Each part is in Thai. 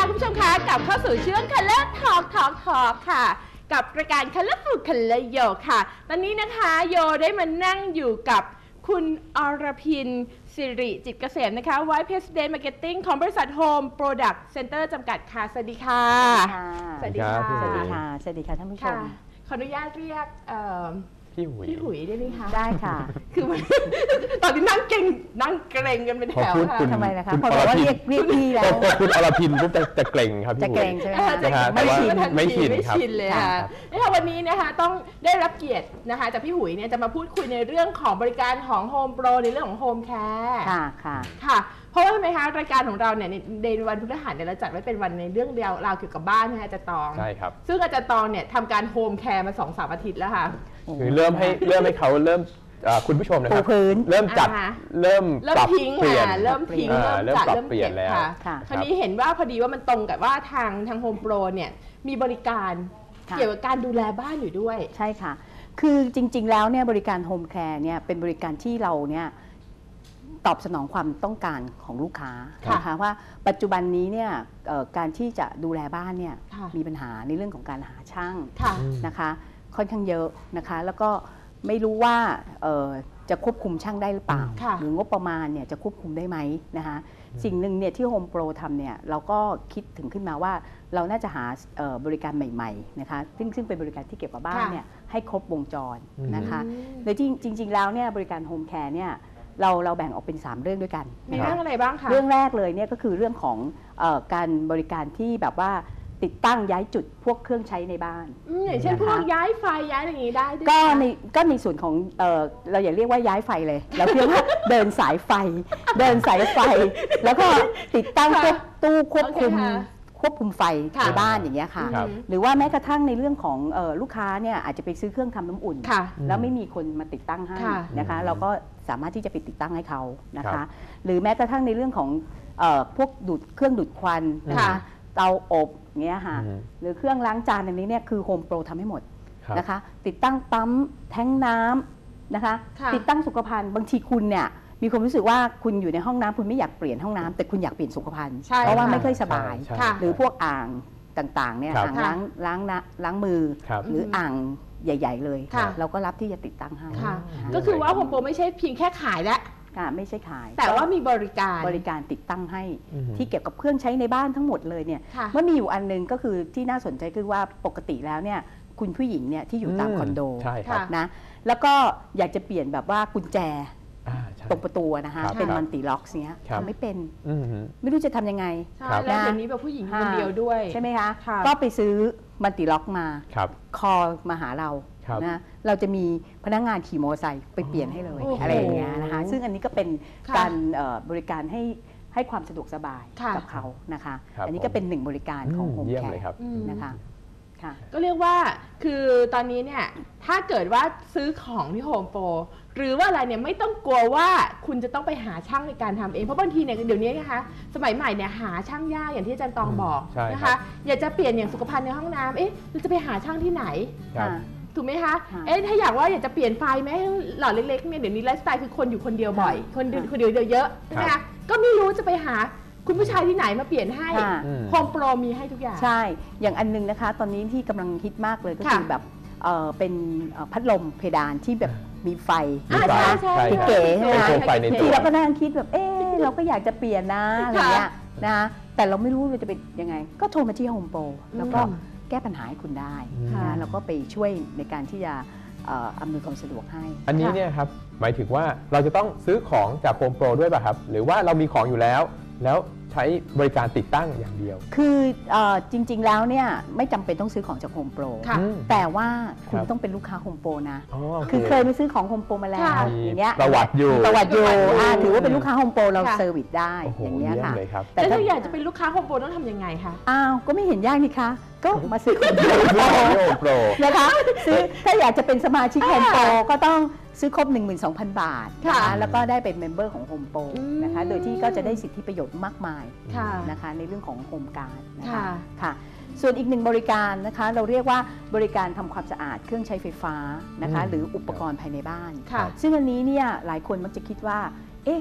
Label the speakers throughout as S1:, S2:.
S1: คุณผู้ชมคะกลับเข้าสู่ช่วง Color Talk ค่ะกับรายการ Colorful Color Yo ค่ะตอนนี้นะคะโยได้มานั่งอยู่กับคุณอรพินสิริจิตเกษมนะคะ Vice President Marketing ของบริษัท Home Product Center จำกัดค่ะสวัสดีค่ะ
S2: สวัสดีค่ะ
S1: สวัสดี
S2: ค่ะสวัสดีค่ะท่านผู้ชม
S1: ขออนุญาตเรียก
S2: พี่
S1: หุยได้ไหมคะ
S2: ได้ค่ะ
S1: คือตอนนี้นั่งเกรงกันเป็นแถวค่ะ
S2: ทำไมนะคะพอบอกว่าเรียกพี่แล้ว
S3: คุณอรพินปุ๊บจะเกรงครับ
S2: จะเกรงใช่ไหม
S3: ไม่ชิน
S1: เลยค่ะนะคะวันนี้นะคะต้องได้รับเกียรตินะคะจากพี่หุยเนี่ยจะมาพูดคุยในเรื่องของบริการของ Home Pro ในเรื่องของ Home Care ค่ะเพราะว่าทำไมคะรายการของเราเนี่ยในวันพฤหัสเนี่ยเราจัดไว้เป็นวันในเรื่องราวเกี่ยวกับบ้านนะคะอาจารย์ตอง
S3: ใช่ครับ
S1: ซึ่งอาจารย์ตองเนี่ยทำการ Home Care มา 2-3 อาทิตย์แล้วค่ะ
S3: คือเริ่มให้เขาเริ่มคุณผู้ชมนะครับเริ่มจัดเริ่มปรับเปลี่ยน
S1: เริ่มปรับเปลี่ยนแล้วคราวนี้เห็นว่าพอดีว่ามันตรงกับว่าทาง Home Pro เนี่ยมีบริการเกี่ยวกับการดูแลบ้านอยู่ด้วย
S2: ใช่ค่ะคือจริงๆแล้วเนี่ยบริการ Home Care เนี่ยเป็นบริการที่เราเนี่ยตอบสนองความต้องการของลูกค้านะคะว่าปัจจุบันนี้เนี่ยการที่จะดูแลบ้านเนี่ยมีปัญหาในเรื่องของการหาช่างนะคะค่อนข้างเยอะนะคะแล้วก็ไม่รู้ว่าจะควบคุมช่างได้หรือเปล่าหรืองบประมาณเนี่ยจะควบคุมได้ไหมนะคะสิ่งหนึ่งเนี่ยที่ Home Pro ทำเนี่ยเราก็คิดถึงขึ้นมาว่าเราน่าจะหาบริการใหม่ๆนะคะซึ่งเป็นบริการที่เกี่ยวกับบ้านเนี่ยให้ครบวงจรนะคะโดยจริงๆแล้วเนี่ยบริการ Home Care เนี่ยเราแบ่งออกเป็น 3 เรื่องด้วยกัน
S1: มีเรื่องอะไรบ้างคะ
S2: เรื่องแรกเลยเนี่ยก็คือเรื่องของการบริการที่แบบว่าติดตั้งย้ายจุดพวกเครื่องใช้ในบ้าน
S1: อย่างเช่นพวกย้ายไฟย้ายอะไรอย่างนี้ได้ด้วย
S2: ก็ในส่วนของเราอย่าเรียกว่าย้ายไฟเลยเราเรียกว่าเดินสายไฟแล้วก็ติดตั้งตู้ควบคุมไฟในบ้านอย่างเงี้ยค่ะหรือว่าแม้กระทั่งในเรื่องของลูกค้าเนี่ยอาจจะไปซื้อเครื่องทำน้ำอุ่นแล้วไม่มีคนมาติดตั้งให้นะคะเราก็สามารถที่จะไปติดตั้งให้เขานะคะหรือแม้กระทั่งในเรื่องของพวกเครื่องดูดควันนะคะเตาอบเงี้ยค่ะหรือเครื่องล้างจานอันนี้เนี่ยคือ Home Pro ทำให้หมดนะคะติดตั้งปั๊มแท้งน้ำนะคะติดตั้งสุขภัณฑ์บางทีคุณเนี่ยมีความรู้สึกว่าคุณอยู่ในห้องน้ำคุณไม่อยากเปลี่ยนห้องน้ำแต่คุณอยากเปลี่ยนสุขภัณฑ์เพราะว่าไม่ค่อยสบายหรือพวกอ่างต่างๆเนี่ยอ่างล้างมือหรืออ่างใหญ่ๆเลยเราก็รับที่จะติดตั้งให้
S1: ก็คือว่า Home Pro ไม่ใช่เพียงแค่ขายและ
S2: ไม่ใช่ขาย
S1: แต่ว่ามีบริ
S2: การติดตั้งให้ที่เกี่ยวกับเครื่องใช้ในบ้านทั้งหมดเลยเนี่ยเมื่อมีอยู่อันนึงก็คือที่น่าสนใจคือว่าปกติแล้วเนี่ยคุณผู้หญิงเนี่ยที่อยู่ตามคอนโดนะแล้วก็อยากจะเปลี่ยนแบบว่ากุญแจตรงประตูนะคะเป็นมัลติล็อกเนี้ยทำไม่เป็นไม่รู้จะทำยังไง
S1: แล้วเดี๋ยวนี้แบบผู้หญิงคนเดียวด้วย
S2: ใช่ไหมคะก็ไปซื้อมัลติล็อกมาคอมาหาเรานะเราจะมีพนักงานขี่มอเตอร์ไซค์ไปเปลี่ยนให้เลยอะไรอย่างเงี้ยนะคะซึ่งอันนี้ก็เป็นการบริการให้ความสะดวกสบายกับเขานะคะอันนี้ก็เป็นหนึ่งบริการของ Home Care นะคะ
S1: ก็เรียกว่าคือตอนนี้เนี่ยถ้าเกิดว่าซื้อของที่ Home Pro หรือว่าอะไรเนี่ยไม่ต้องกลัวว่าคุณจะต้องไปหาช่างในการทำเองเพราะบางทีเนี่ยเดี๋ยวนี้นะคะสมัยใหม่เนี่ยหาช่างยากอย่างที่อาจารย์ตองบอกนะคะอยากจะเปลี่ยนอย่างสุขภัณฑ์ในห้องน้ำเราจะไปหาช่างที่ไหนถูกไหมคะถ้าอยากจะเปลี่ยนไฟไหมหลอดเล็กๆเนี่ยเดี๋ยวนี้ไลฟ์สไตล์คือคนอยู่คนเดียวบ่อยคนเดียวเยอะใช่ไหมคะก็ไม่รู้จะไปหาคุณผู้ชายที่ไหนมาเปลี่ยนให้ Home Pro มีให้ทุกอย่าง
S2: ใช่อย่างอันนึงนะคะตอนนี้ที่กำลังฮิตมากเลยก็คือแบบเป็นพัดลมเพดานที่แบบมีไฟนะคะเก๋ใช่ไหมที่เราก็นั่งคิดแบบเราก็อยากจะเปลี่ยนนะอะไรเงี้ยนะแต่เราไม่รู้เราจะเป็นยังไงก็โทรมาที่ Home Pro แล้วก็แก้ปัญหาให้คุณได้นะแล้วก็ไปช่วยในการที่จะอำนวยความสะดวกให้
S3: อันนี้เนี่ยครับหมายถึงว่าเราจะต้องซื้อของจาก Home Pro ด้วยป่ะครับหรือว่าเรามีของอยู่แล้วใช้บริการติดตั้งอย่างเดียว
S2: คือจริงๆแล้วเนี่ยไม่จำเป็นต้องซื้อของจาก Home Pro แต่ว่าคุณต้องเป็นลูกค้า Home Pro นะคือเคยไปซื้อของ Home Pro มาแล้วอย่างเงี้ย
S3: ประวัติอยู่
S2: ถือว่าเป็นลูกค้า Home Pro เราเซอร์วิสได้อย่างเงี้ยค่ะ
S1: แต่ถ้าอยากจะเป็นลูกค้า Home Pro ต้องทำยังไงคะ
S2: ก็ไม่เห็นยากนี่คะก็มาซื้อ Home Pro นะคะซื้อถ้าอยากจะเป็นสมาชิก Home Pro ก็ต้องซื้อครบ 12,000 บาทนะคะแล้วก็ได้เป็นเมมเบอร์ของ Home Pro นะคะโดยที่ก็จะได้สิทธิประโยชน์มากมายนะคะในเรื่องของ Home Guard นะคะค่ะส่วนอีกหนึ่งบริการนะคะเราเรียกว่าบริการทำความสะอาดเครื่องใช้ไฟฟ้านะคะหรืออุปกรณ์ภายในบ้านซึ่งอันนี้เนี่ยหลายคนมักจะคิดว่า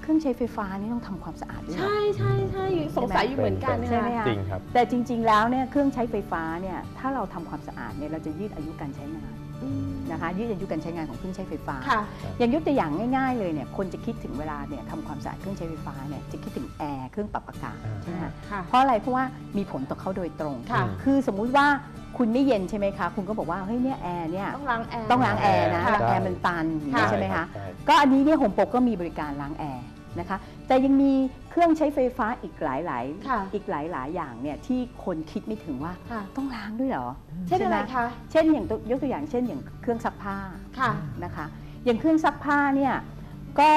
S2: เครื่องใช้ไฟฟ้านี่ต้องทำความสะอาดด้วยเหรอ
S1: ใช่ใช่ใช่สงสัยอยู่เหมือนกัน
S2: ใช่ไหม
S1: ค่ะ
S2: คะ
S3: จริงครับ
S2: แต่จริง ๆ แล้วเนี่ยเครื่องใช้ไฟฟ้าเนี่ยถ้าเราทำความสะอาดเนี่ยเราจะยืดอายุการใช้งาน
S1: อืม
S2: นะคะยืดอายุการใช้งานของเครื่องใช้ไฟฟ้า
S1: ค่ะ
S2: อย่างยกตัวอย่างง่ายๆเลยเนี่ยคนจะคิดถึงเวลาเนี่ยทำความสะอาดเครื่องใช้ไฟฟ้าเนี่ยจะคิดถึงแอร์เครื่องปรับอากาศใช่ไหมคะ
S1: ค่ะ
S2: เพราะอะไรเพราะว่ามีผลต่อเขาโดยตรง
S1: ค่ะ
S2: คือสมมุติว่าคุณไม่เย็นใช่ไหมคะคุณก็บอกว่าเฮ้ยเนี่ยแอร์เนี่ย
S1: ต้องล้างแอร์
S2: ต้องล้างแอร์นะ
S1: ค่ะ
S2: แล้วแอร์มันตันอย่างนี้
S1: ค่ะ
S2: ใช่ไหมคะ
S3: ใช่
S2: ก็อันนี้เนี่ยโฮมโปรก็มีบริการล้างแอร์นะคะแต่ยังมีเครื่องใช้ไฟฟ้าอีกหลาย
S1: ค่ะ
S2: อีกหลายอย่างเนี่ยที่คนคิดไม่ถึงว่า
S1: ค่ะ
S2: ต้องล้างด้วยเหรอ
S1: เช่นอะไร
S2: ใหม
S1: คะ
S2: เช่นอย่างยกตัวอย่างเช่นอย่างเครื่องซักผ้า
S1: ค่ะ
S2: นะคะอย่างเครื่องซักผ้าเนี่ยก็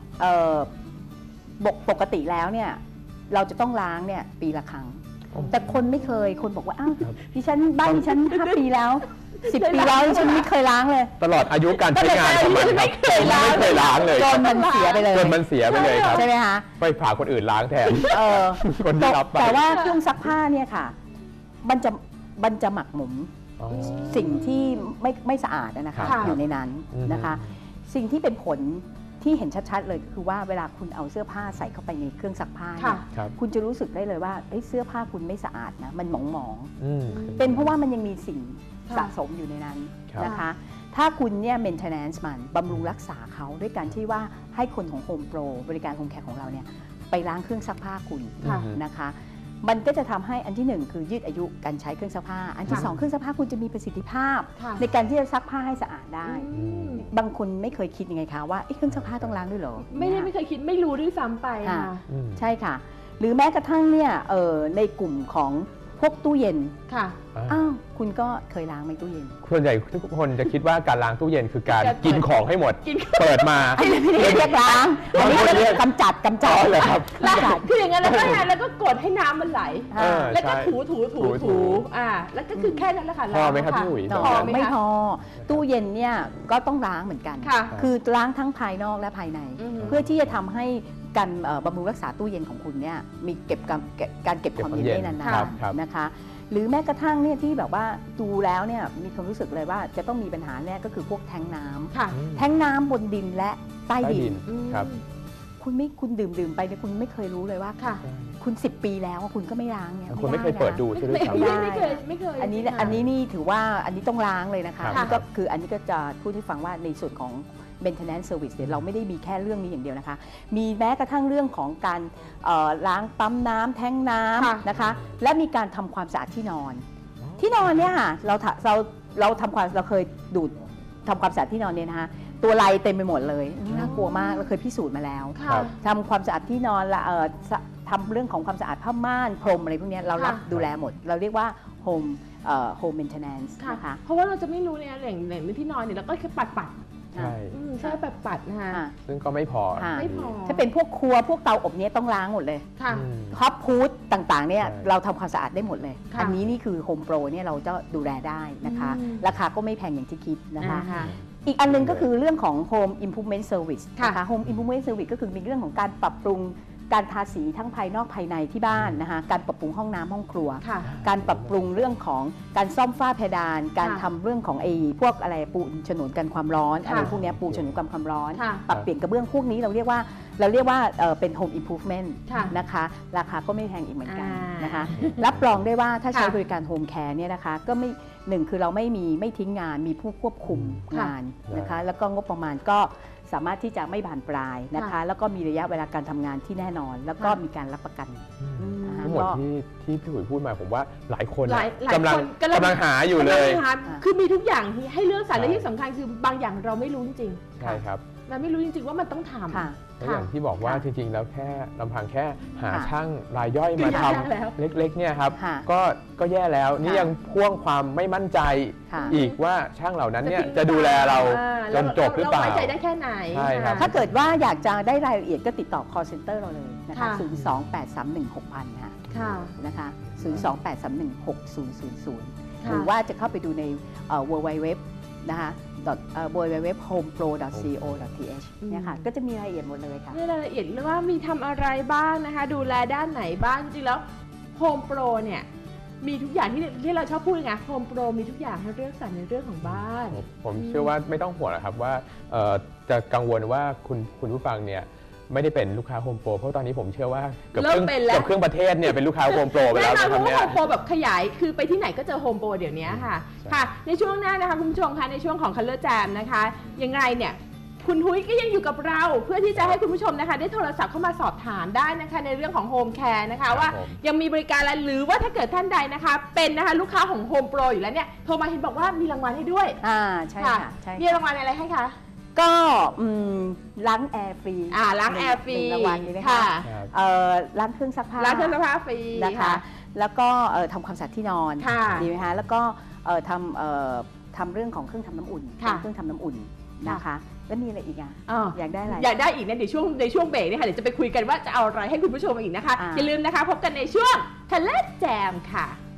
S2: ปกติแล้วเนี่ยเราจะต้องล้างเนี่ยปีละครั้ง แต่คนไม่เคยคนบอกว่าอ้าวดิฉันบ้านดิฉัน5 ปีแล้ว 10 ปีแล้วดิฉันไม่เคยล้างเลย
S3: ตลอดอายุการใช้งานของมันครับ
S1: ไม่เคยล้าง
S3: ไม่เคยล้างเลย
S2: จนมันเสียไปเลย
S3: จนมันเสียไปเลยครับ
S2: ใช่ไหมคะ
S3: ไปผ่าคนอื่นล้างแทน
S2: เออ
S3: คนที่รับไป
S2: แต่ว่าเครื่องซักผ้าเนี่ยค่ะมันจะหมักหมม
S3: อ๋อ
S2: สิ่งที่ไม่สะอาดนะคะ
S1: ค่ะ
S2: อยู่ในนั้นนะคะ สิ่งที่เป็นผลที่เห็นชัดๆเลยก็คือว่าเวลาคุณเอาเสื้อผ้าใส่เข้าไปในเครื่องซักผ้าเนี่ย
S3: ครับ
S2: คุณจะรู้สึกได้เลยว่าเอ้ยเสื้อผ้าคุณไม่สะอาดนะมันหมอง
S3: อืม
S2: ๆเป็นเพราะว่ามันยังมีสิ่ง
S1: ค่ะ
S2: สะสมอยู่ในนั้น
S3: ครับ
S2: นะคะ ถ้าคุณเนี่ย maintenance มันบำรุงรักษาเขาด้วยการที่ว่าให้คนของ Home Pro บริการ Home Care ของเราเนี่ยไปล้างเครื่องซักผ้าคุณ
S1: ค่ะ
S2: นะคะ มันก็จะทำให้อันที่ 1 คือยืดอายุการใช้เครื่องซักผ้า อันที่
S1: ค่ะ
S2: 2 เครื่องซักผ้าคุณจะมีประสิทธิภาพ
S1: ค่ะ
S2: ในการที่จะซักผ้าให้สะอาดได้
S1: อืม
S2: บางคนไม่เคยคิดยังไงคะว่าเอ๊ะเครื่องซักผ้าต้องล้างด้วยเหรอ
S1: ไม่เคยคิดไม่รู้ด้วยซ้ำไป
S2: ค่ะ
S1: ค่ะ
S3: อืม
S2: ใช่ค่ะ หรือแม้กระทั่งเนี่ยในกลุ่มของพวกตู้เย็น
S1: ค่ะ
S2: อ้าวคุณก็เคยล้างไหมตู้เย็น
S3: ส่วนใหญ่ทุกคนจะคิดว่าการล้างตู้เย็นคือการ
S1: การเปิด
S3: กินของให้หมด
S1: กิน
S3: เปิดมา
S2: ไม่ได้เรียกล้างอันนี้
S3: บางคนเรียก
S2: กำจัด
S3: อ๋อเหรอครับ
S1: แล้ว
S2: กำจัด
S1: คืออย่างนั้นแล้วก็ไงแล้วก็กดให้น้ำมันไหล
S3: เออ
S1: แล้วก็
S3: ใช่
S1: ถูแล้วก็คือแค่นั้นแหละค่ะ
S3: พอไหมครับ
S1: ล้าง
S3: พี่อุ๋ย
S1: ค่ะ
S2: พอ
S1: ห
S2: ไม่พอตู้เย็นเนี่ยก็ต้องล้างเหมือนกัน
S1: ค่ะ
S2: คือล้างทั้งภายนอกและภายใน
S1: อือฮึ
S2: เพื่อที่จะทำให้การบำรุงรักษาตู้เย็นของคุณเนี่ยมีการเก็บความเย็นได้นา
S3: ครับ
S2: น
S3: ครับ
S2: ๆนะคะ หรือแม้กระทั่งเนี่ยที่แบบว่าดูแล้วเนี่ยมีความรู้สึกเลยว่าจะต้องมีปัญหาแน่ก็คือพวกแทงน้ำ
S1: ค่ะ
S3: อืม
S2: แทงน้ำบนดินและใต้
S3: ใต้
S2: ดิ
S3: ดิ
S2: น
S3: นครับ
S2: คุณดื่มไปเนี่ยคุณไม่เคยรู้เลยว่า
S1: ค่ะ
S2: คุณ 10 ปีแล้วคุณก็ไม่ล้างเนี่ย
S3: คนไม่เคยเปิดดูใช่ไหมครับ
S1: ไม่เคย
S2: อันนี้
S1: ค่ะ
S2: อันนี้นี่ถือว่าอันนี้ต้องล้างเลยนะคะ
S3: ครับ
S2: นี่ก็คืออันนี้ก็จะพูดให้ฟังว่าในส่วนของ maintenance service เนี่ยเราไม่ได้มีแค่เรื่องนี้อย่างเดียวนะคะ มีแม้กระทั่งเรื่องของการล้างปั๊มน้ำแท้งน้
S1: ค่ะ
S2: ำนะคะ และมีการทำความสะอาดที่นอน ที่นอนเนี่ยค่ะเราเคยดูดทำความสะอาดที่นอนเนี่ยนะคะตัวลายเต็มไปหมดเลยน่ากลัวมากเราเคยพิสูจน์มาแล้ว
S1: ค่ะ
S2: ทำความสะอาดที่นอนละทำเรื่องของความสะอาดผ้าม่านพรมอะไรพวกเนี้ยเรารับ
S1: ค่ะ
S2: ดูแลหมด เราเรียกว่า home maintenance
S1: ค่ะ
S2: นะคะ
S1: เพราะว่าเราจะไม่รู้เนี่ยแหล่งที่นอนเนี่ยเราก็แค่ปัด
S3: ใช่
S1: ใช่ปัดนะคะ
S2: อ่า
S3: ซึ่งก็ไม่พอ
S2: ค่ะ
S1: ไม่พอ
S2: ถ้าเป็นพวกครัวพวกเตาอบเนี้ยต้องล้างหมดเลย
S1: ค่ะ
S3: อืม
S2: ท็อปพูดต่างๆเนี่ย
S3: ใช่
S2: เราทำความสะอาดได้หมดเลย
S1: ค่ะ
S2: อันนี้นี่คือ Home Pro เนี่ยเราจะดูแลได้นะคะ
S1: อืม
S2: ราคาก็ไม่แพงอย่างที่คิดนะคะ
S1: ค่ะ
S2: อีกอันหนึงก็คือเรื่องของ Home Improvement Service
S1: ค่ะ
S2: นะคะ Home Improvement Service ก็คือมีเรื่องของการปรับปรุงการทาสีทั้งภายนอกภายในที่บ้านนะคะการปรับปรุงห้องน้ำห้องครัว
S1: ค่ะ
S2: การปรับปรุงเรื่องของการซ่อมฝ้าเพดาน การทำเรื่องของพวกอะไรปูฉนวนกันความร้อน
S1: ค่ะ
S2: อะไรพวกเนี้ยปูฉนวนกันความร้อน
S1: ค่ะ
S2: ปรับเปลี่ยนกระเบื้องพวกนี้เราเรียกว่าเป็น Home Improvement
S1: ค่ะ
S2: นะคะราคาก็ไม่แพงอีกเหมือนกัน
S1: อ่าน
S2: นะคะรับรองได้ว่าถ้าใช้
S1: ค่ะ
S2: บริการ Home Care เนี่ยนะคะก็ไม่หนึ่งคือเราไม่ทิ้งงานมีผู้ควบคุม
S1: ค่ะ
S2: งานนะคะแล้วก็งบประมาณก็สามารถที่จะไม่บานปลายนะคะ
S1: ค่ะ
S2: แล้วก็มีระยะเวลาการทำงานที่แน่นอน แล้วก็
S1: ค่ะ
S2: มีการรับประกัน
S1: อืม
S2: นะคะ
S3: ทั้งหมดที่พี่หุยพูดมาผมว่าหลายคน
S1: หลาย
S3: กำลัง
S1: คน
S3: กำลังหาอยู่เลย
S1: กำงหาคือมีทุกอย่างที่ให้เลือกสรร
S3: ใช่
S1: และที่สำคัญคือบางอย่างเราไม่รู้จริง
S3: ใช่ครับ
S1: ๆเราไม่รู้จริงๆว่ามันต้องทำ
S2: ค่ะ
S3: แล้วอย่างที่บอกว่า
S2: ค่ะ
S3: จริงๆ แล้วแค่ลำพังแค่หา
S2: ค่ะ
S3: ช่างรายย่อยมาท
S1: ก็ยากแล้ว
S3: ำเล็กๆเนี่ยครับ
S2: ค่ะ
S3: ก็แย่แล้วนี่
S2: ค่ะ
S3: ยังพ่วงความไม่มั่นใจ
S2: ค่ะ
S3: อีกว่าช่างเหล่านั้นเนี่ย
S1: ทิ้ง
S3: จะดูแลเรา
S1: อ่
S3: จนจบหรือเปล่า
S1: ไว้ใจได้แค่ไหน
S3: ใช่ครับ
S2: ถ้าเกิดว่าอยากจะได้รายละเอียดก็ติดต่อ call center เราเลยนะคะ
S1: ค่ะ
S2: 028316000
S1: ค่ะ
S2: นะคะ028316000
S1: ค่ะ
S2: หรือว่าจะเข้าไปดูในwww นะคะwww.homepro.co.th เนี่ยค่ะก็จะมีรายละเอียดหมดเลยค่ะ
S1: นี่รายละเอียดเลยว่ามีทำอะไรบ้างนะคะ ดูแลด้านไหนบ้างจริงๆแล้ว Home Pro เนี่ยมีทุกอย่างที่เราชอบพูดไง Home Pro มีทุกอย่างให้เลือกสรรในเรื่องของบ้าน
S3: ผมเชื่อว่าไม่ต้องห่วงนะครับว่าจะกังวลว่าคุณผู้ฟังเนี่ยไม่ได้เป็นลูกค้าโฮมโปรเพราะตอนนี้ผมเชื่อว่าเกือบ
S1: เริ่มเป็นแล้ว
S3: ครึ่งประเทศเนี่ยเป็นลูกค้าโฮมโปรไป
S1: แน่
S3: แล้ว
S1: นอน
S3: นะ
S1: เพ
S3: ครับ
S1: ราะว่า
S3: เนี่ย
S1: โฮมโปรแบบขยายคือไปที่ไหนก็เจอโฮมโปรเดี๋ยวนี้ค่ะ
S3: ใช่
S1: ค่ะ ในช่วงหน้านะคะคุณผู้ชมคะในช่วงของ Color Jam นะคะยังไงเนี่ยคุณทุ้ยก็ยังอยู่กับเราเพื่อที่จะให้คุณผู้ชมนะคะได้โทรศัพท์เข้ามาสอบถามได้นะคะในเรื่องของโฮมแคร์นะคะว่ายังมีบริการอะไรหรือว่าถ้าเกิดท่านใดนะคะเป็นนะคะลูกค้าของโฮมโปรอยู่แล้วเนี่ยโทรมาเห็นบอกว่ามีรางวัลให้ด้วย
S2: ใช่ค่ะใช่
S1: มีรางวัลอะไรให้คะ
S2: ก็ล้างแอร์ฟรี
S1: ล้างแอร์ฟรี
S2: 1รางวัลนี้นะคะ
S1: ค่ะ
S3: ครับ
S2: ล้างเครื่องซักผ้า
S1: ล้างเครื่องซักผ้าฟรี
S2: นะคะแล้วก็ทำความสะอาดที่นอน
S1: ค่ะ
S2: ดีไหมคะแล้วก็ทำเรื่องของเครื่องทำน้ำอุ่น
S1: ค่ะ
S2: เครื่องทำน้ำอุ่นนะคะแล้วมีอะไรอีกอ่ะ อยากได้อะไร
S1: อยากได้อีกเนี่ยเดี๋ยวช่วงเบรกเนี่ยค่ะเดี๋ยวจะไปคุยกันว่าจะเอาอะไรให้คุณผู้ชมอีกนะคะ อย่าลืมนะคะพบกันในช่วง Color Jam ค่ะ